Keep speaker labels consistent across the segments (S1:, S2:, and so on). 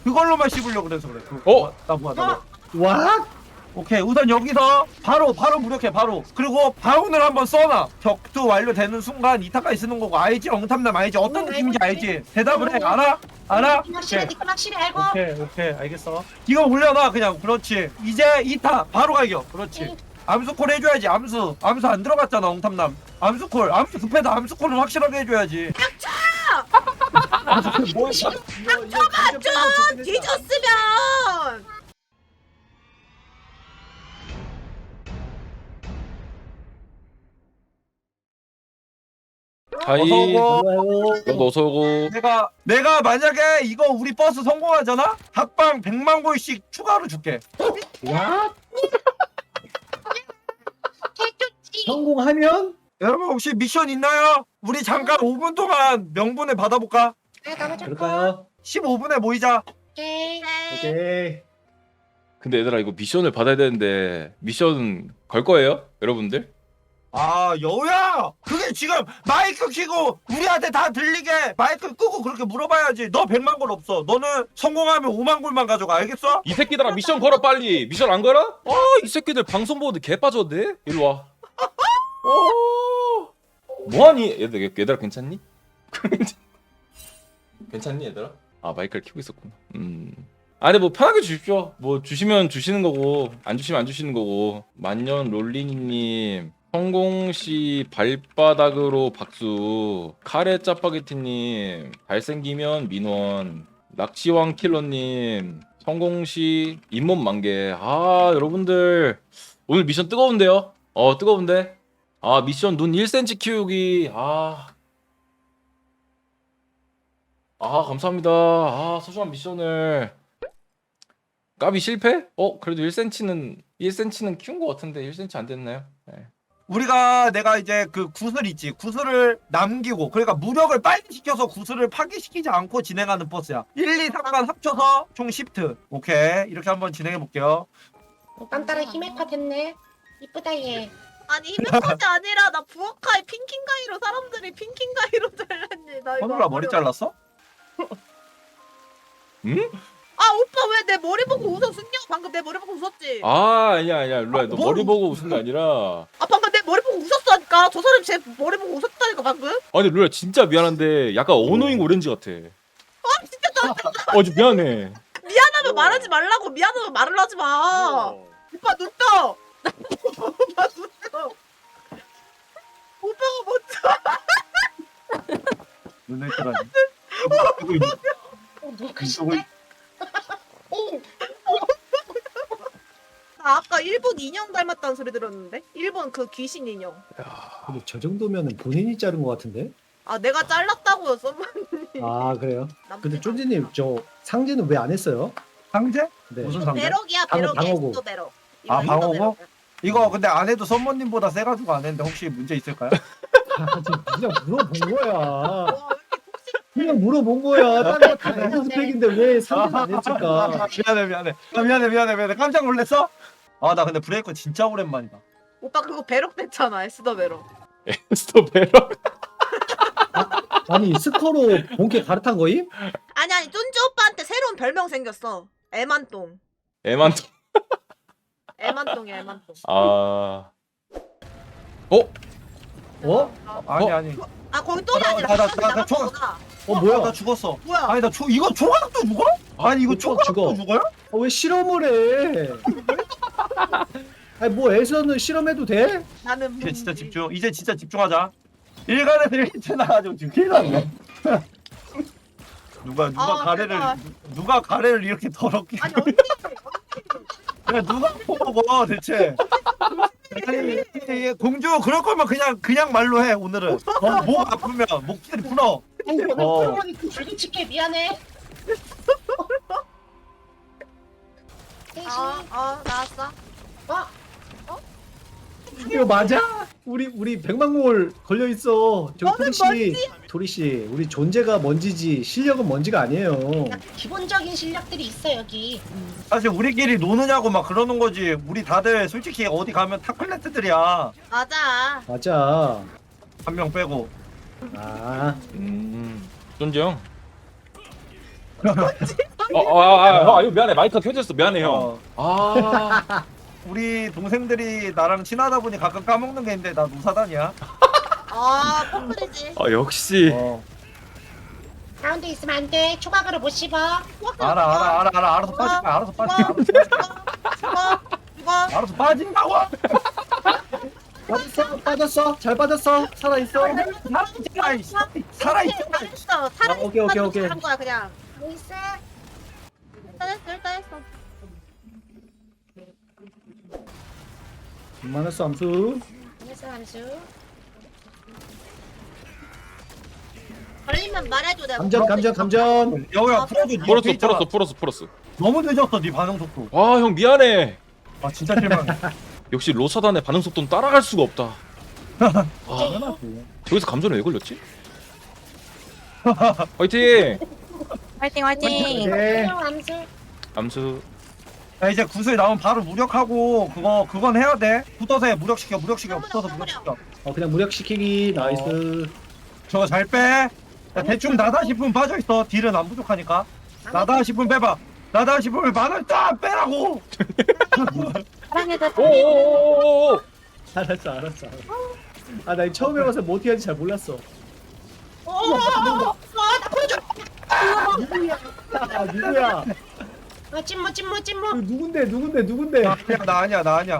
S1: 그걸로만 씹으려고 그래서 그래. 나 뭐야 나 뭐야.
S2: 와?
S1: 오케이 우선 여기서 바로 무력해 바로. 그리고 바운을 한번 써놔. 격투 완료되는 순간 이타까지 쓰는 거고. 알지? 엉탐남 알지? 어떤 느낌인지 알지? 대답을 해. 알아?
S3: 확실해, 니가 확실해 알고.
S1: 오케이 알겠어. 이거 올려놔 그냥. 그렇지. 이제 이타 바로 갈겨. 그렇지. 암수콜 해줘야지. 암수 안 들어갔잖아 엉탐남. 암수콜 암수 급해도 암수콜은 확실하게 해줘야지.
S3: 뭐 닥쳐봐 좀 뒤졌으면.
S4: 하이.
S1: 어서오고.
S4: 너도 어서 오고.
S1: 내가 만약에 이거 우리 버스 성공하잖아? 각방 100만 골씩 추가로 줄게.
S2: 와?
S3: 개좋지.
S2: 성공하면?
S1: 여러분 혹시 미션 있나요? 우리 잠깐 5분 동안 명분을 받아볼까?
S2: 그럴까요?
S1: 15분에 모이자.
S3: 오케이.
S2: 오케이.
S4: 근데 얘들아 이거 미션을 받아야 되는데 미션 걸 거예요? 여러분들?
S1: 아 여우야! 그게 지금 마이크 켜고 우리한테 다 들리게 마이크 끄고 그렇게 물어봐야지. 너 100만 골 없어. 너는 성공하면 5만 골만 가져가. 알겠어?
S4: 이 새끼들아 미션 걸어 빨리. 미션 안 걸어? 이 새끼들 방송 보는데 개 빠졌네. 이리 와. 뭐하니? 얘들아 괜찮니? 괜찮니 얘들아? 아 마이크를 켜고 있었구나. 아니 뭐 편하게 주십시오. 뭐 주시면 주시는 거고 안 주시면 안 주시는 거고. 만년 롤리니님, 성공시 발바닥으로 박수, 카레 짜파게티님, 잘생기면 민원, 낚시왕 킬러님, 성공시 잇몸 만개. 아 여러분들 오늘 미션 뜨거운데요? 뜨거운데? 아 미션 눈 1cm 키우기. 감사합니다. 소중한 미션을 까비 실패? 그래도 1cm는 키운 것 같은데 1cm 안 됐나요? 네.
S1: 내가 이제 그 구슬 있지. 구슬을 남기고 그러니까 무력을 빨리 시켜서 구슬을 파괴시키지 않고 진행하는 버스야. 1, 2, 3간 합쳐서 총 시프트. 오케이 이렇게 한번 진행해 볼게요.
S3: 딴따라 히메파 됐네. 이쁘다 얘.
S5: 아니 히메컷이 아니라 나 부엌가이 핑킹가이로 사람들이 핑킹가이로 잘랐니. 나 이거
S1: 선우라 머리 잘랐어?
S4: 응?
S5: 아 오빠 왜 내 머리 보고 웃어? 승경 방금 내 머리 보고 웃었지?
S4: 아니야 루아야 너
S1: 뭐?
S4: 머리 보고 웃은 게 아니라.
S5: 방금 내 머리 보고 웃었다니까. 저 사람 제 머리 보고 웃었다니까 방금.
S4: 아니 루아야 진짜 미안한데 약간 어노잉 오렌지 같아.
S5: 진짜 나
S4: 좀 미안해.
S5: 미안하면 말하지 말라고. 미안하면 말을 하지 마. 오빠 눈 떠. 오빠 눈 떠. 오빠가 먼저.
S1: 눈을 뜨라니.
S3: 누가 크신데?
S5: 나 아까 일본 인형 닮았다는 소리 들었는데? 일본 그 귀신 인형.
S2: 근데 저 정도면 본인이 자른 것 같은데?
S5: 아 내가 잘랐다고요 썸머님.
S2: 아 그래요? 근데 쫀지님 저 상제는 왜 안 했어요?
S1: 상제?
S2: 네.
S1: 무슨 상제?
S5: 배럭이야
S2: 방어,
S5: 배럭.
S2: 방어구.
S5: 에스도 배럭.
S1: 아,
S5: 이거
S1: 방어구?
S5: 배럭이야.
S1: 이거 근데 안 해도 선모님보다 세가지고 안 했는데 혹시 문제 있을까요?
S2: 지금 그냥 물어본 거야.
S5: 와, 왜 이렇게 톡식.
S2: 그냥 물어본 거야. 다른 거다 에스펙인데 왜 상제는 안 했을까?
S1: 미안해. 깜짝 놀랐어? 나 근데 브레이크 진짜 오랜만이다.
S5: 오빠 그거 배럭 됐잖아. 에스더 배럭.
S4: 에스터 베러.
S2: 아니 스커로 본캐 갈아탄 거임?
S5: 아니 쫀지 오빠한테 새로운 별명 생겼어. 애만똥.
S4: 애만.
S5: 애만똥이야 애만똥.
S2: 어?
S1: 아니.
S5: 아 거기 똥이 아니라
S1: 나
S5: 남았던
S1: 총-
S5: 거구나.
S2: 뭐야?
S1: 나 죽었어.
S5: 뭐야?
S1: 아니 이거 초각도 죽어? 아니 이거
S2: 초각
S1: 초각도
S2: 죽어.
S1: 죽어요?
S2: 왜 실험을 해? 아니 뭐 에서는 실험해도 돼?
S5: 나는
S1: 이제 진짜 집중. 이제 진짜 집중하자. 일간에서 이렇게 나가지고 지금 큰일 났네.
S5: 제발.
S1: 누가 가래를 이렇게 더럽게.
S5: 아니 언니
S1: 야, 누가 먹어 대체? 아니 이게 공주 그럴 거면 그냥 말로 해 오늘은. 목 아프면 목소리 풀어.
S3: 불규칙해 미안해.
S5: 나왔어.
S2: 이거 맞아? 우리 100만 골 걸려 있어. 저
S5: 너는
S2: 토리 씨, 우리 존재가 먼지지 실력은 먼지가 아니에요.
S3: 기본적인 실력들이 있어 여기.
S1: 사실 우리끼리 노느냐고 막 그러는 거지. 우리 다들 솔직히 어디 가면 탑클래스들이야.
S5: 맞아.
S2: 맞아.
S1: 한 명 빼고.
S2: 아,
S4: 쫀지 형. 이거 미안해. 마이크가 켜졌어. 미안해 형.
S1: 어,
S4: 아.
S1: 우리 동생들이 나랑 친하다 보니 가끔 까먹는 게 있는데 나 노사단이야.
S5: 아 뻔뻔이지.
S4: 역시.
S3: 가운데 있으면 안 돼. 초각으로 못 씹어.
S1: 알아. 알아서 빠질 거야. 알아서 빠질 거야.
S5: 죽어.
S1: 알아서 빠진다고.
S2: 빠졌어. 잘 빠졌어. 살아있어.
S1: 살아있잖아.
S5: 잘했어. 사람
S2: 오케이.
S5: 한 거야 그냥.
S3: 뭐 있어?
S5: 일단 했어.
S2: 만났어 암수.
S3: 안녕하세요, 함수.
S5: 걸리면 말해줘 내가.
S2: 감전.
S1: 여우야
S4: 풀었어.
S1: 너무 늦었어 네 반응 속도.
S4: 아, 형 미안해.
S1: 아 진짜 실망해.
S4: 역시 로사단의 반응 속도는 따라갈 수가 없다. 아,
S1: 당연하지.
S4: 저기서 감전을 왜 걸렸지? 화이팅!
S5: 화이팅.
S2: 네.
S3: 안녕, 함수.
S4: 암수.
S1: 야 이제 구슬 나오면 바로 무력하고 그건 해야 돼. 붙어서 해. 무력시켜. 붙어서 무력시켜.
S2: 그냥 무력시키기. 나이스.
S1: 저거 잘 빼. 야, 대충 나다 싶으면 빠져 있어. 딜은 안 부족하니까. 나다 싶으면 빼봐. 나다 싶으면 만원 딱 빼라고.
S3: 사랑해줘.
S4: 오오오오오.
S2: 알았어. 나 이거 처음 해봐서 뭐 어떻게 하는지 잘 몰랐어. 누구야?
S3: 찜모.
S2: 누군데?
S1: 나 아니야.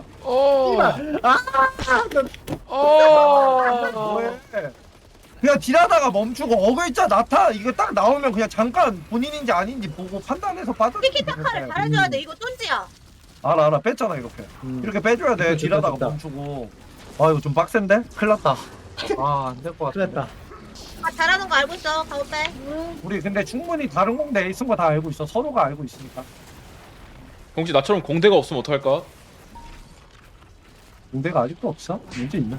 S1: 뭐해? 그냥 딜하다가 멈추고 어글자 나타 이거 딱 나오면 그냥 잠깐 본인인지 아닌지 보고 판단해서 빠져.
S5: 티키타카를 잘해줘야 돼. 이거 쫀지야.
S1: 알아 뺐잖아 이렇게. 이렇게 빼줘야 돼.
S2: 좋다,
S1: 딜하다가
S2: 좋다.
S1: 멈추고. 아 이거 좀 빡센데? 큰일 났다. 아 안 될 것 같아.
S2: 큰일 났다.
S5: 아 잘하는 거 알고 있어. 가오 빼.
S1: 우리 근데 충분히 다른 공대 있은 거 다 알고 있어. 서로가 알고 있으니까.
S4: 혹시 나처럼 공대가 없으면 어떡할까?
S1: 공대가 아직도 없어? 문제 있나?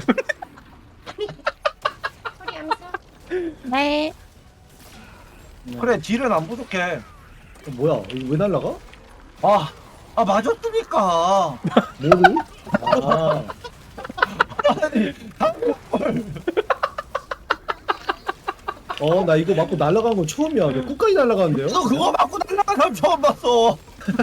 S3: 소리 함수.
S5: 네.
S1: 그래 딜은 안 부족해.
S2: 뭐야? 이거 왜 날라가?
S1: 아 맞았으니까.
S2: 뭐를? 아. 나 이거 맞고 날아간 건 처음이야. 왜 끝까지 날아가는데요?
S1: 너 그거 맞고 날라간 사람 처음 봤어.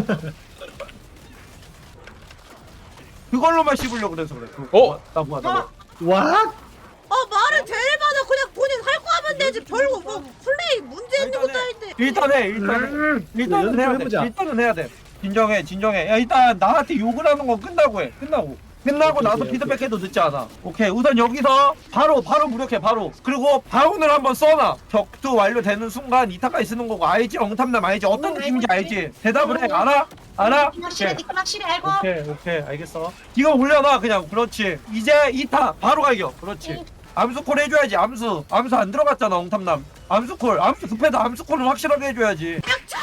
S1: 그걸로만 씹으려고 그래서 그래. 나 뭐야.
S2: 와?
S5: 말을 제일 많아. 그냥 본인 할 거 하면 되지. 별거 뭐 플레이 문제 있는 것도 아닌데.
S1: 일단은 해야 돼.
S2: 해보자.
S1: 일단은 해야 돼. 진정해. 야 일단 나한테 욕을 하는 건 끝나고 해. 끝나고 나서
S2: 오케이.
S1: 피드백해도 늦지 않아. 오케이. 우선 여기서 바로 무력해 바로. 그리고 바운을 한번 써놔. 격투 완료되는 순간 이타까지 쓰는 거고 알지? 엉탐남 알지? 어떤 느낌인지 알지? 대답을 해. 알아?
S3: 확실히 알고.
S1: 오케이 알겠어. 지금 올려놔 그냥. 그렇지. 이제 2타 바로 갈겨. 그렇지. 암수콜 해줘야지. 암수 안 들어갔잖아 엉탐남. 암수콜 급해도 암수콜은 확실하게 해줘야지.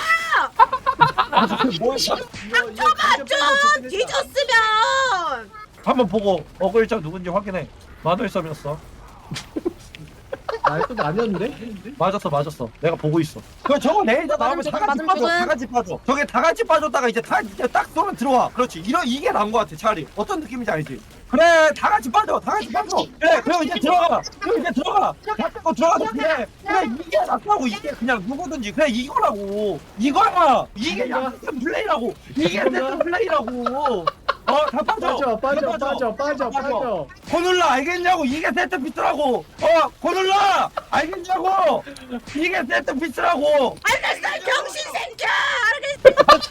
S1: 뭐야?
S5: 좀 뒤졌으면.
S1: 한번 보고 어글자 누군지 확인해. 마늘썸이었어.
S2: 또 아니었는데?
S1: 맞았어. 내가 보고 있어. 저거 레이저 나오면 다 같이 빠져. 저게 다 같이 빠졌다가 이제 딱 쏘면 들어와. 그렇지. 이게 나은 거 같아. 차라리. 어떤 느낌인지 알지? 그래, 다 같이 빠져. 그래, 그럼 이제 들어가. 다 빼고 들어가서 그래, 이게 낫다고. 이게 그냥 누구든지 그래 이거라고. 이거야. 이게 약간 플레이라고. 이게 내 플레이라고. 다 빠져. 고눌라 알겠냐고. 이게 세트 피스라고. 고눌라 알겠냐고. 이게 세트 피스라고.
S5: 알겠어 병신 새끼야.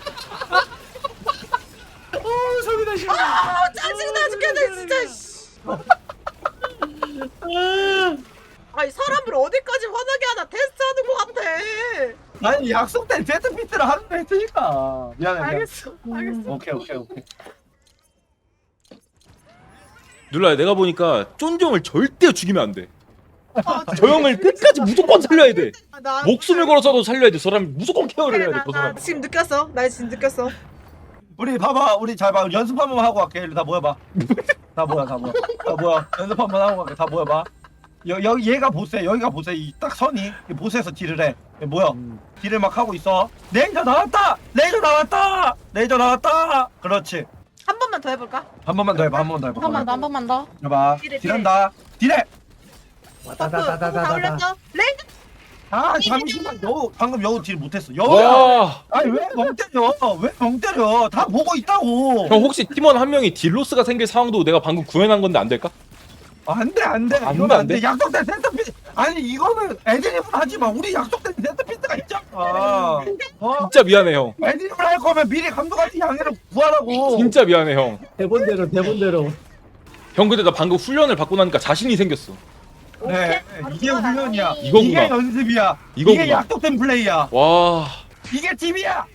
S2: 소리나 싫어.
S5: 짜증나 죽겠네 진짜. 아니 사람을 어디까지 화나게 하나 테스트하는 것 같아.
S1: 아니 약속 때 세트 피스를 하는 거 했으니까. 미안해.
S5: 알겠어.
S1: 오케이.
S4: 눌러야 내가 보니까 쫀정을 절대 죽이면 안 돼. 저 형을 끝까지 무조건 살려야 돼. 목숨을 걸어서도 살려야 돼. 저 사람이 무조건 케어를 해야 돼. 저 사람.
S5: 지금 느꼈어. 나 지금 느꼈어.
S1: 우리 봐봐. 우리 잘 봐. 연습 한번 하고 갈게. 일로 다 모여봐. 다 모여. 연습 한번 하고 갈게. 다 모여봐. 여기 얘가 보스야. 여기가 보스야. 이 딱 선이 이 보스에서 딜을 해. 모여. 딜을 막 하고 있어. 레이저 나왔다. 그렇지.
S5: 한 번만 더 해볼까?
S1: 한 번만 더 해봐. 한 번만 더. 해봐.
S5: 딜해.
S1: 딜한다. 딜해.
S5: 다 올렸어. 레이저.
S1: 아 잠시만 여우 방금 여우 딜 못했어. 여우야.
S4: 와.
S1: 아니 왜 멍 때려? 왜 멍 때려? 다 보고 있다고.
S4: 형 혹시 팀원 한 명이 딜로스가 생길 상황도 내가 방금 구현한 건데 안 될까?
S1: 안돼 안돼.
S4: 안
S1: 이건
S4: 돼, 안
S1: 안돼.
S4: 돼?
S1: 약속된 센터피스. 아니 이거는 애드립을 하지 마. 우리 약속된 센터피스가 있잖아.
S4: 진짜 미안해 형.
S1: 애드립을 할 거면 미리 감독한테 양해를 구하라고.
S4: 진짜 미안해 형.
S2: 대본대로 대본대로.
S4: 형 근데 나 방금 훈련을 받고 나니까 자신이 생겼어.
S1: 네, 이게 훈련이야.
S4: 이거구나.
S1: 이게 연습이야.
S4: 이거구나.
S1: 이게 약속된 플레이야.
S4: 와.
S1: 이게 팀이야.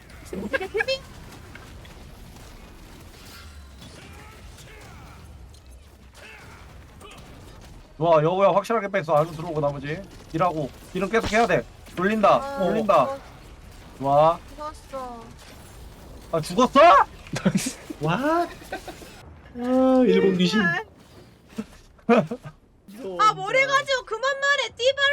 S1: 와 여우야 확실하게 뺐어. 안으로 들어오고 나머지 일하고 일은 계속 해야 돼. 돌린다 돌린다. 좋아.
S5: 죽었어.
S1: 아 죽었어?
S2: 와. 아 일본 귀신.
S5: 아 머리 가지고 그만 말해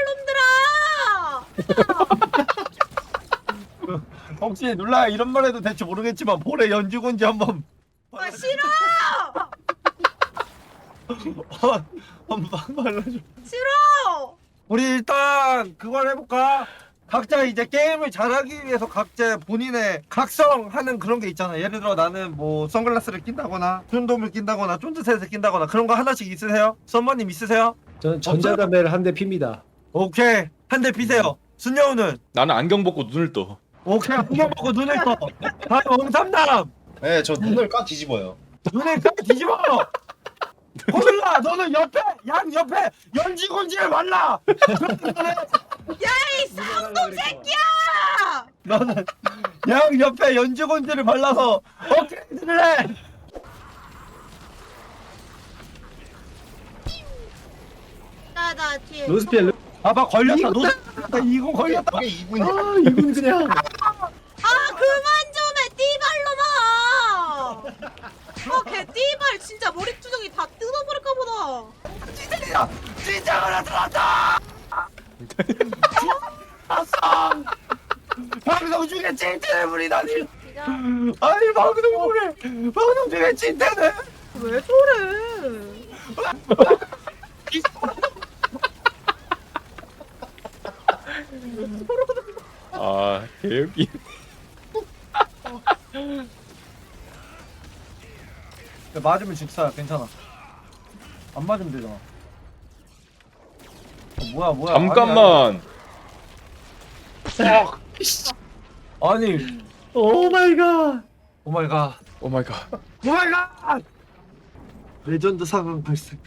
S5: 띠발놈들아.
S1: 혹시 눌라 이런 말 해도 될지 모르겠지만 볼에 연주건지 한번
S5: 아 싫어.
S1: 한번 말라줘.
S5: 싫어.
S1: 우리 일단 그걸 해볼까? 각자 이제 게임을 잘하기 위해서 각자 본인의 각성하는 그런 게 있잖아. 예를 들어 나는 뭐 선글라스를 낀다거나 쫀돔을 낀다거나 쫀드셋을 낀다거나 그런 거 하나씩 있으세요? 썸머님 있으세요?
S2: 저는 전자담배를 한 대 핍니다.
S1: 오케이 한 대 피세요. 순여우는
S4: 나는 안경 벗고 눈을 떠.
S1: 오케이 한경 먹고 눈을 떠. 다음 엉삼남
S6: 네, 저 눈을 꽉 뒤집어요.
S1: 눈을 딱 뒤집어. 호들라 너는 옆에 양 옆에 연지곤지를 말라.
S5: 야이 쌍놈 새끼야.
S1: 너는 양 옆에 연지곤지를 발라서 업그레이드를 해.
S5: 나나 뒤에.
S2: 로스피엘.
S1: 아봐 걸렸다.
S2: 이거
S1: 너 이거 걸렸다.
S6: 저게 2분이야.
S2: 아 이분 그냥.
S5: 아 그만 좀 해 띠발놈아. 아걔 띠발 진짜 머리투정이 다 뜯어버릴까 보다.
S1: 찌질이야. 찌장을 들었다. 알았어. 방송 중에 찐텐을 부리다니. 아니 방송 중에 찐텐을.
S5: 왜 저래?
S4: 아 개웃기.
S1: 맞으면 직사야. 괜찮아. 안 맞으면 되잖아. 뭐야.
S4: 잠깐만.
S1: 아니.
S2: 오 마이 갓.
S1: 오마이갓.
S4: 오 마이 갓.
S1: 오마이갓. 레전드 상황 발생.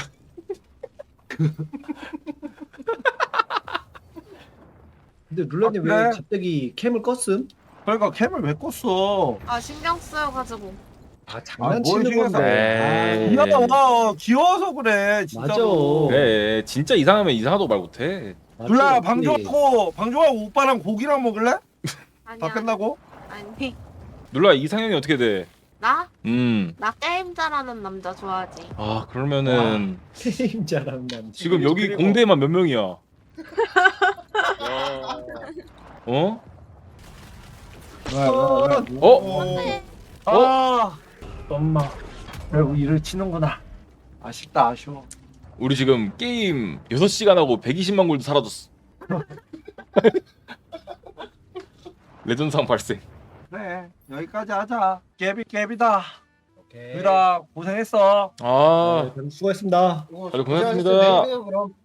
S2: 근데 룰라님
S1: 아, 그래?
S2: 왜 갑자기 캠을 껐음?
S1: 그러니까 캠을 왜 껐어?
S5: 아 신경 쓰여가지고.
S2: 아 장난치는
S1: 뭘 신경
S2: 건데.
S4: 에이.
S1: 귀여워. 귀여워서 그래.
S2: 맞아.
S1: 진짜로.
S4: 그래 진짜 이상하면 이상하도 말 못해.
S1: 둘라 방종하고 오빠랑 고기랑 먹을래?
S5: 아니야.
S1: 다 끝나고?
S5: 아니
S4: 눌라 이상형이 어떻게 돼?
S5: 나?
S4: 음.
S5: 나 게임 잘하는 남자 좋아하지.
S4: 아 그러면은
S2: 게임 잘하는 남자.
S4: 지금 여기
S1: 그리고-
S4: 공대만 몇 명이야? 어? 어?
S1: 아, 엄마. 결국 일을 치는구나. 아쉽다, 아쉬워.
S4: 우리 지금 게임 6시간 하고 120만 골드 사라졌어. 레전드상 발생.
S1: 그래, 여기까지 하자. 깨비다.
S6: 오케이.
S1: 유라 고생했어.
S4: 아
S2: 네, 수고했습니다.
S4: 다들 고생하셨습니다.
S6: 그럼.